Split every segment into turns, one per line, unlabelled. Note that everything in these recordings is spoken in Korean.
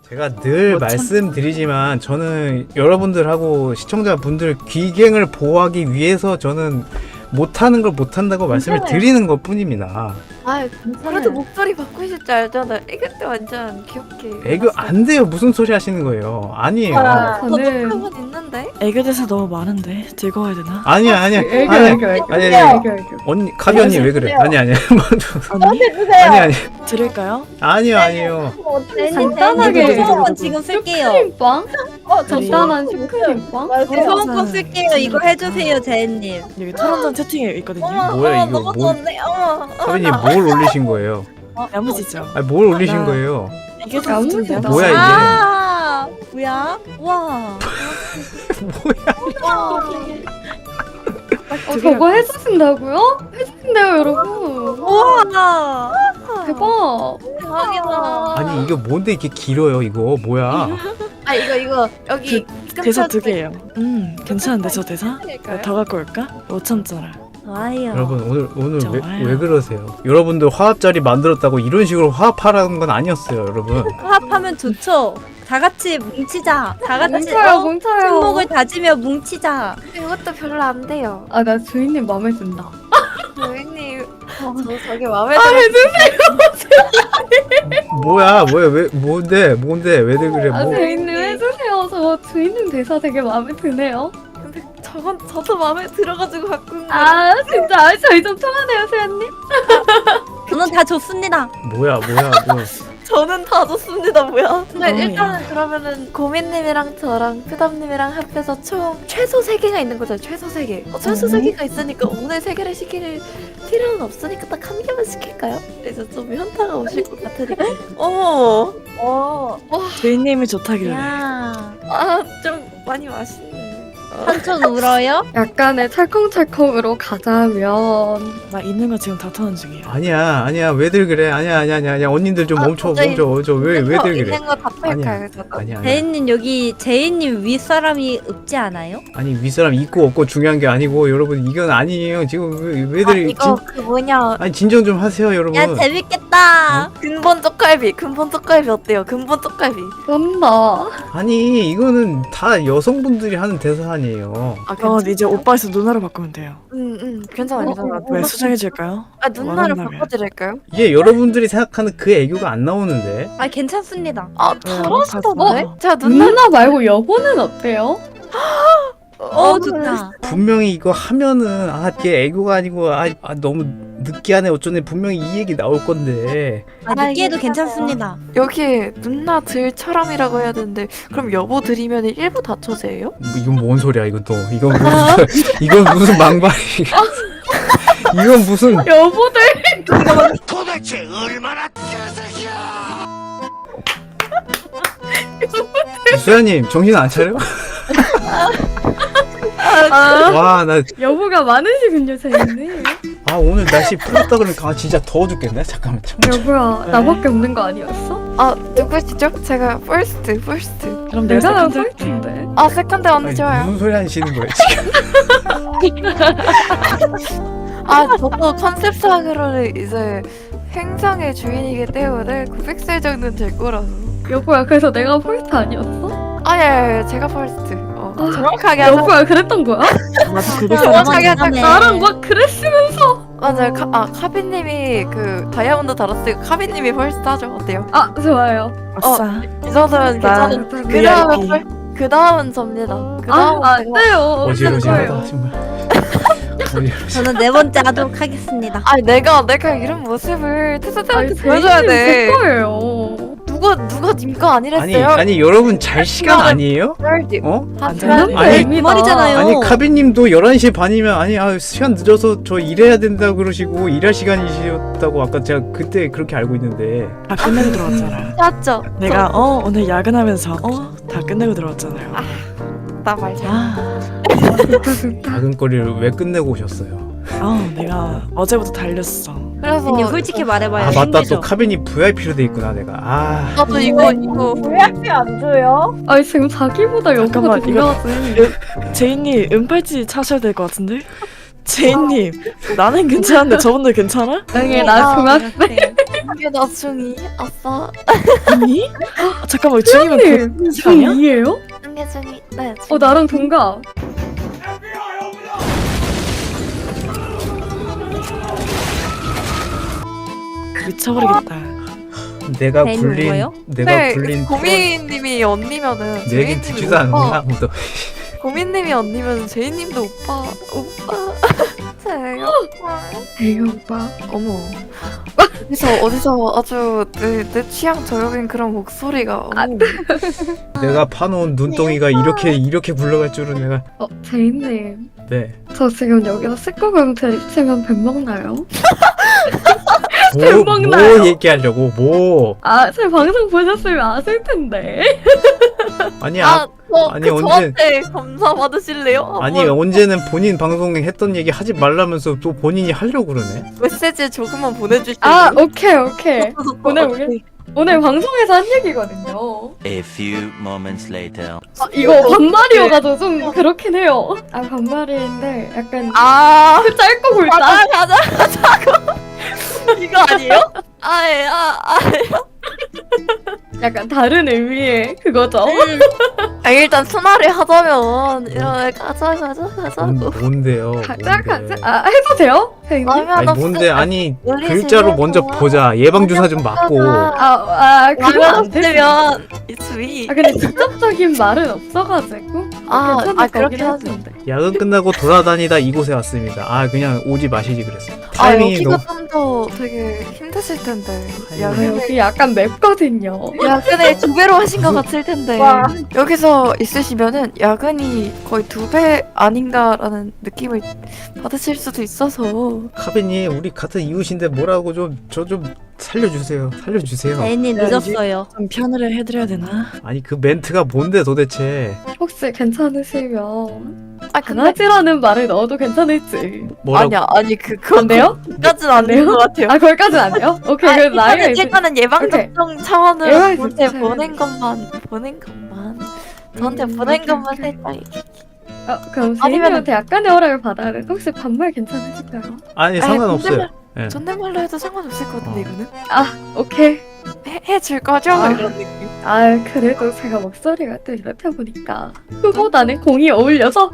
제가 늘 말씀드리지만 저는 여러분들하고 시청자분들 귀갱을 보호하기 위해서 저는 못하는 걸 못한다고 말씀을 드리는 것 뿐입니다.
아, 그래도 목소리 바꾸실 줄 알잖아요. 애교 때 완전 귀엽게.
애교 안 돼요. 무슨 소리 하시는 거예요? 아니에요.
저도 한번 있는데.
애교 대사 너무 많은데 즐거워야 되나?
아니야.
애교.
아니. 언니 카비 언니 왜 그래? 아니.
언니?
아니.
드릴까요?
아니요.
간단하게
소원 지금 쓸게요.
슈크림빵? 간단한 슈크림빵?
소원 쓸게요. 이거 해주세요, 제인님.
여기 토론전 채팅에 있거든요.
뭐야 이거?
너무 좋은데.
카비님 뭘 올리신 거예요?
야무지죠?
아니 뭘 올리신 거예요?
이게 좀
야무지다.
뭐야 이게?
아, 뭐야? 와.
저거 해주신다고요? 해주신대요 여러분.
우와.
대박.
대박이다.
아니 이게 뭔데 이렇게 길어요 이거 뭐야?
아, 이거 여기
대사 2개예요. 괜찮은데 저 대사? 더 갖고 올까? 5천짜리.
좋아요.
여러분 오늘
좋아요.
왜 그러세요? 여러분들 화합자리 만들었다고 이런 식으로 화합하라는 건 아니었어요, 여러분.
화합하면 좋죠. 다 같이 뭉치자. 다 같이
뭉쳐요.
침묵을 다지며 뭉치자.
이것도 별로 안 돼요.
아, 나 주인님 마음에 든다.
고객님,
저 저게 마음에 들어.
뭐야, 왜 뭔데 왜들 그래?
아,
뭐?
주인님 해주세요. 저 주인님 대사 되게 마음에 드네요.
근데 저건 저도 마음에 들어가지고 바꾼 거.
아, 진짜. 아, 저희 좀 통하네요, 수연님.
저는 다 좋습니다.
뭐야.
저는 다 좋습니다. 뭐야? 근데
어,
일단은 그러면은 고민님이랑 저랑 푸담님이랑 합해서 총 최소 3개가 있는 거죠. 최소 3개. 최소 3개가 있으니까 오늘 3개를 시킬 필요는 없으니까 딱 한 개만 시킬까요? 그래서 좀 현타가 오실 것 같으니까. 어머.
주인님이 좋다길래.
야. 아, 좀 많이 맛있네. 삼촌 울어요?
약간의 찰컹찰컹으로 가자면.
나 있는 거 지금 다 토론 중이에요.
아니야. 왜들 그래? 아니야. 언니들 좀 멈춰. 왜들 그래?
있는 거 다 팔까요?
아니야.
제인님 여기 제인님 윗사람이 없지 않아요?
아니 윗사람 있고 없고 중요한 게 아니고 여러분 이건 아니에요. 지금 왜들
이거 그 뭐냐?
아니 진정 좀 하세요, 여러분.
야 재밌겠다. 근본 쪽갈비 어때요? 근본 쪽갈비.
그런다.
아니 이거는 다 여성분들이 하는 대사 아니에요.
이제 오빠에서 누나로 바꾸면 돼요.
괜찮아.
왜 수정해줄까요?
아, 누나를
원한다면.
바꿔드릴까요?
이게 여러분들이 생각하는 그 애교가 안 나오는데.
아 괜찮습니다.
아, 잘하시던데? 제가
누나 말고 여보는 어때요?
좋다.
분명히 이거 하면은 이게 애교가 아니고 너무 느끼하네 어쩌네 분명히 이 얘기 나올 건데.
느끼해도 괜찮습니다.
여기 누나 들처럼이라고 해야 되는데 그럼 여보 드리면 일부 다처제예요?
이건 뭔 소리야 이건 또 이건 무슨 망발이 이건 무슨
여보들.
도대체 얼마나 개새끼야!
수야님 정신 안 차려? 와 나
여보가 많으시군요, 제인님.
오늘 날씨 풀었다 그러니까 진짜 더워 죽겠네. 잠깐만
여보야, 나밖에 없는 거 아니었어?
아, 누구시죠? 제가 퍼스트.
그럼
내가
세컨드.
폴트인데.
아, 세컨드 언니
아니,
좋아요.
무슨 소리 하시는 거예요 지금?
아, 저도 컨셉상으로는 이제 행성의 주인이기 때문에 900살 정도는 될 거라서.
여보야, 그래서 내가 폴트 아니었어?
예, 제가 퍼스트. 정확하게 하자.
여보야, 그랬던 거야?
나도 그거
정확하게 하자.
나랑 막 그랬으면서.
맞아요. 카비님이 그 다이아몬드 달았으니까 카비님이 퍼스트 하죠. 어때요?
아, 좋아요.
아싸.
이 정도면 괜찮은.
VIP.
그 다음은 접니다. 그 다음은
안 돼요.
어지러지하다 정말.
저는 4번째 하도록 하겠습니다.
아니 내가 이런 모습을 테스트한테 보여줘야
제
돼.
거예요.
누가 님거 아니랬어요?
아니 여러분 잘 시간 아니에요? 어?
안
되는데.
아니
그 말이잖아요.
아니 카비님도 11시 반이면 시간 늦어서 저 일해야 된다 그러시고 일할 시간이셨다고 아까 제가 그때 그렇게 알고 있는데.
다 끝내고 들어왔잖아.
맞죠?
내가 오늘 야근하면서 다 끝내고 들어왔잖아요.
나말 잘.
야근거리를 왜 끝내고 오셨어요?
내가 어제부터 달렸어.
그래서
아니, 솔직히 말해봐요.
맞다
힘들죠?
또 카빈이 VIP로 돼 있구나 내가.
나도 이거
아니, 지금 자기보다 여보가 더
잠깐만, 이거-
중요하지.
제이님 은팔찌 차셔야 될 것 같은데? 제이님 나는 괜찮은데 저분들 괜찮아?
응애, 나 중학생.
이게 나 중2 아싸.
언니? 잠깐만 중이면
님
그 시간이야?
중2예요?
한개 중2 네.
나랑 동갑.
미쳐버리겠다.
내가
네,
굴린
뭐예요?
내가
네,
굴린
고민님이 언니면은
내 얘기
제이님이
듣지도 않는구나 아무도.
고민님이 언니면 제이님도 오빠. 제이 오빠.
에이 오빠.
어머. 어디서 아주 내 취향 저격인 그런 목소리가. 어머.
내가 파놓은 눈덩이가 이렇게 굴러갈 줄은 내가.
제이님.
네.
저 지금 여기서 19금 드립치면 뱀 먹나요?
뭐
먹나요?
얘기하려고 뭐.
제 방송 보셨으면 아실 텐데.
아니 아니,
그
언제-
저한테 감사 받으실래요?
아니 언제는 본인 방송에 했던 얘기 하지 말라면서 또 본인이 하려고 그러네.
메시지 조금만 보내줄 수 있나요?
오케이. 오늘 방송에서 한 얘기거든요.
A few moments later.
이거 반말이어가지고 좀 그렇긴 해요. 반말인데 약간
아,
짧고 굵다.
가자고. 이거 아니에요?
약간 다른 의미의 그거죠.
일단 순화를 하자면 이런 가자고.
뭔데요?
가자.
뭔데?
해도 돼요? 제이님?
아니 뭔데? 아니
놀리지
글자로 먼저
말고.
보자. 예방 주사 좀 맞고.
그건 안 돼.
없으면 이수이.
근데 직접적인 말은 없어가지고 괜찮을 거긴
그렇게
하는데.
야근 끝나고 돌아다니다 이곳에 왔습니다. 그냥 오지 마시지 그랬어. 타이밍이
여기가
너무.
좀 더 되게 힘드실 텐데.
여기 약간 맵거든요.
야근을 2배로 하신 것 같을 텐데.
와.
여기서 있으시면은 야근이 거의 2배 아닌가라는 느낌을 받으실 수도 있어서.
카빈님 우리 같은 이웃인데 뭐라고 저 좀 살려주세요.
제이님 늦었어요.
좀 편을 해드려야 되나?
아니 그 멘트가 뭔데 도대체?
혹시 괜찮으시면
근데
강아지라는 말을 넣어도 괜찮을지.
뭐라고?
아니
안 돼요?
그까지는 안
돼요?
된 것 같아요.
거기까지는 안 돼요? 오케이, 그럼 나이가 이제
일단은 예방
오케이.
접종 차원으로
예방
저한테
접종
보낸 것만 저한테 보낸 것만
오케이.
살짝.
그럼
아니면은-
제이님한테 약간의 허락을 받아야 돼. 혹시 반말 괜찮으실까요?
아니 상관없어요. 예.
존댓말로 해도 상관없을 것 같은데 이거는
오케이.
해줄 거죠? 이런 느낌.
그래도 제가 목소리가 또 이렇다 보니까 그보다는 공이 어울려서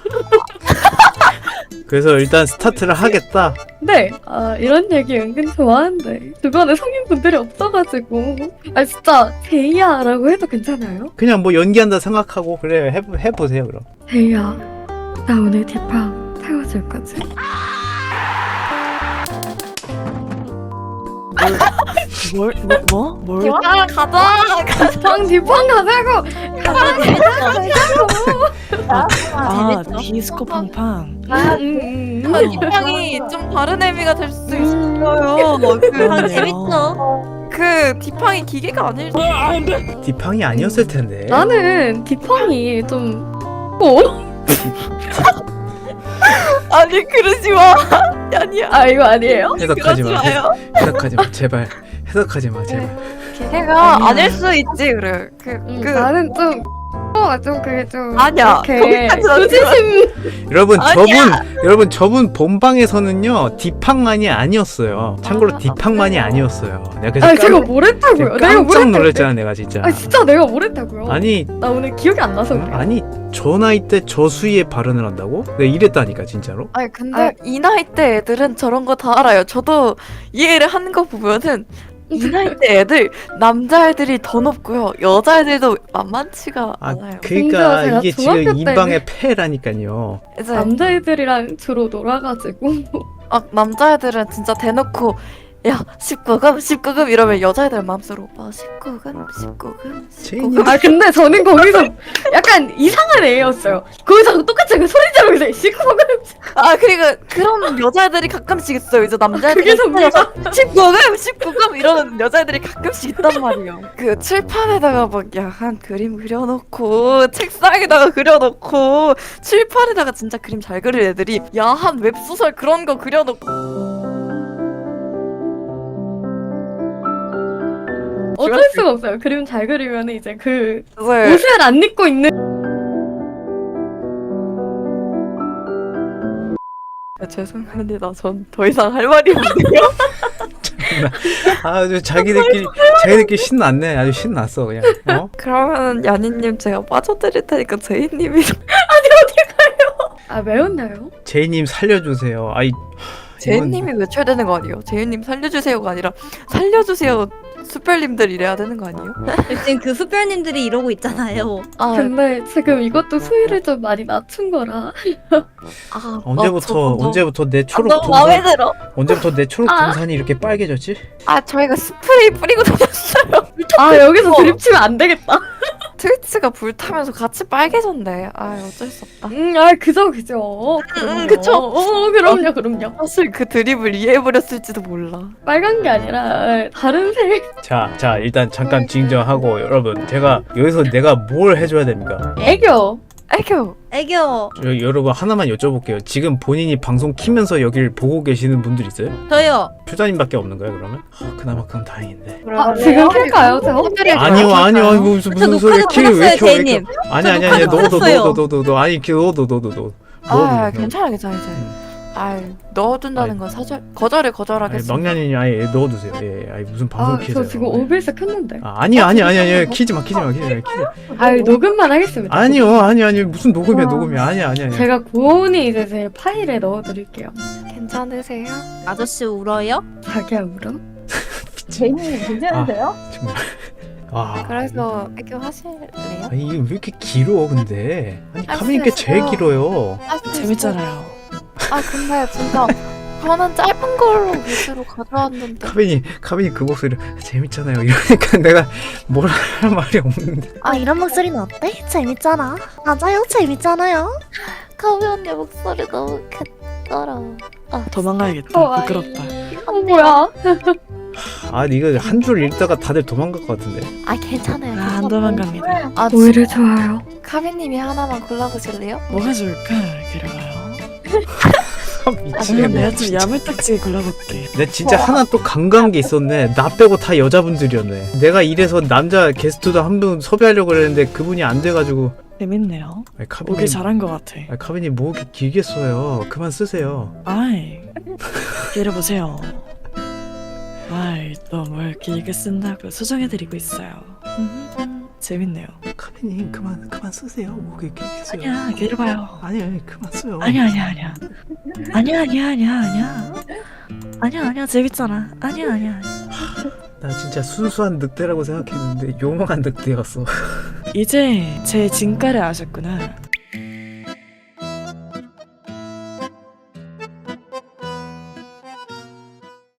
그래서 일단 스타트를 하겠다.
네. 이런 얘기 은근 좋아하는데 주변에 성인분들이 없어가지고 진짜 제이야라고 해도 괜찮아요?
그냥 뭐 연기한다 생각하고 그래 해보세요 그럼.
제이야, 나 오늘 뒷방 태워줄 거지?
뭘?
뒷방 가자고!
디스코 팡팡.
이 방이 좀 다른 의미가 될 수도 있어요.
그러네요.
그 디팡이 기계가 아닐 수.
디팡이 아니었을 텐데.
나는 뒷방이 좀
아니 그러지 마. 아니야.
이거 아니에요?
해석하지 마.
그러지 마요.
해석하지 마 제발. 해석하지 마 제발.
기계가 아닐 수 있지 그래.
나는 좀 그게 좀
아니야.
이렇게
거기까지는 아니야.
수지심
여러분 저분 본방에서는요 디팡만이 아니었어요. 참고로 디팡만이 아니었어요. 내가 그래서
제가 뭘 했다고요? 내가 뭘
깜짝
했다고요?
놀랐잖아 내가 진짜.
진짜 내가 뭘 했다고요?
아니
나 오늘 기억이 안 나서 그래.
아니 저 나이 때 저 수위에 발언을 한다고? 내가 이랬다니까 진짜로.
아니 근데 이 나이 때 애들은 저런 거 다 알아요. 저도 이해를 하는 거 보면은 이 나이 때 애들 남자애들이 더 높고요. 여자애들도 만만치가 않아요.
그러니까
심지어
이게
제가 중학교
지금
때는-
인방의 폐라니까요.
이제
남자애들이랑 주로 놀아가지고
남자애들은 진짜 대놓고 야 19금 이러면 여자애들 마음속으로 오빠 19금.
근데 저는 거기서 약간 이상한 애였어요. 거기서 똑같이 그 소리 지르면서 시끄러워.
그리고 그런 여자애들이 가끔씩 있어요. 이제 남자애들이
그게 선배가
19금 이러는 여자애들이 가끔씩 있단 말이에요. 그 칠판에다가 막 야한 그림 그려놓고 책상에다가 그려놓고 칠판에다가 진짜 그림 잘 그릴 애들이 야한 웹소설 그런 거 그려놓고.
어쩔 수가 없어요. 그림 잘 그리면 이제 그
네.
옷을 안 입고 있는
죄송합니다. 전 더 이상 할 말이 없네요.
참나. 아주 자기들끼리 신났네. 아주 신났어 그냥. 어?
그러면 야니님 제가 빠져드릴 테니까 제이님이
아 매운데요?
제이님 살려주세요. 아이.
제이님이 외쳐야 되는 거 아니에요? 제이님 살려주세요가 아니라 살려주세요 수별님들 이래야 되는 거 아니에요?
지금 그 수별님들이 이러고 있잖아요.
아,
근데 지금 이것도 수위를 좀 많이 낮춘 거라.
아
언제부터 내 초록
너무 마음에 들어.
언제부터 내 초록 등산이 이렇게 빨개졌지?
아 저희가 스프레이 뿌리고 다녔어요.
아 여기서 드립 치면 안 되겠다.
트위치가 불타면서 같이 빨개졌네. 아 어쩔 수 없다.
아 그죠.
그쵸.
그럼요.
사실 그 드립을 이해해버렸을지도 몰라.
빨간 게 아니라 다른 색.
자 일단 잠깐 진정하고 여러분 제가 여기서 내가 뭘 해줘야 됩니까?
애교.
애교.
애교.
여러분 하나만 여쭤볼게요. 지금 본인이 방송 키면서 여기를 보고 계시는 분들 있어요?
저요.
표자님밖에 없는 거예요 그러면? 그나마 그럼 다행인데.
아 지금 킬까요 저?
아니요 무슨 소리
녹화도
키를 왜
끊었어요,
켜?
제이님.
아니
녹화도 끊었어요.
너 아니 너.
아 괜찮아. 아 넣어둔다는 건 사절 거절하겠습니다.
막년이 아예 넣어두세요. 예, 아니 무슨 방송 키세요?
저 지금 OBS 켰는데.
아니요 키지 마.
아 녹음만 하겠습니다.
아니요 무슨 녹음이야 아니야.
제가 고온이 이제 제 파일에 넣어드릴게요.
괜찮으세요?
아저씨 울어요?
자기야 울어?
제이님 괜찮으세요? 정말.
그래서 애교 하실래요?
아니 이게 왜 이렇게 길어 근데? 아니
할 수
카메니께 제일
있어요.
길어요.
재밌잖아요.
아 근데 진짜 저는 짧은 걸로 위주로 가져왔는데
카메니 그 목소리 재밌잖아요. 이러니까 내가 뭘 할 말이 없는데.
아 이런 목소리는 어때? 재밌잖아. 맞아요, 재밌잖아요.
카미 언니 목소리 너무 캣더라.
도망가야겠다. 부끄럽다.
뭐야?
아 이거 한 줄 읽다가 다들 도망갈 것 같은데.
아 괜찮아요.
안 도망갑니다.
아
오히려 좋아요.
카비님이 하나만 골라보실래요?
뭐가 좋을까? 기려봐요. 그러면
미치겠네.
내가 좀 야물딱지게 골라볼게.
내 진짜 하나 또 간과한 게 있었네. 나 빼고 다 여자분들이었네. 내가 이래서 남자 게스트도 한 분 섭외하려고 그랬는데 그분이 안 돼가지고.
재밌네요.
아니, 카비님,
오길 잘한 것 같아.
아니, 카비님 뭐 이렇게 길게 써요. 그만 쓰세요.
아이, 기려보세요. 아이, 또 뭘 길게 쓴다고 수정해드리고 있어요. 재밌네요.
카비님 그만 쓰세요. 뭐 이렇게 길게 써요.
아니야, 기려봐요.
아니 그만 써요.
아니야. 아니야, 재밌잖아. 아니야.
나 진짜 순수한 늑대라고 생각했는데 요망한 늑대였어.
이제 제 진가를 아셨구나.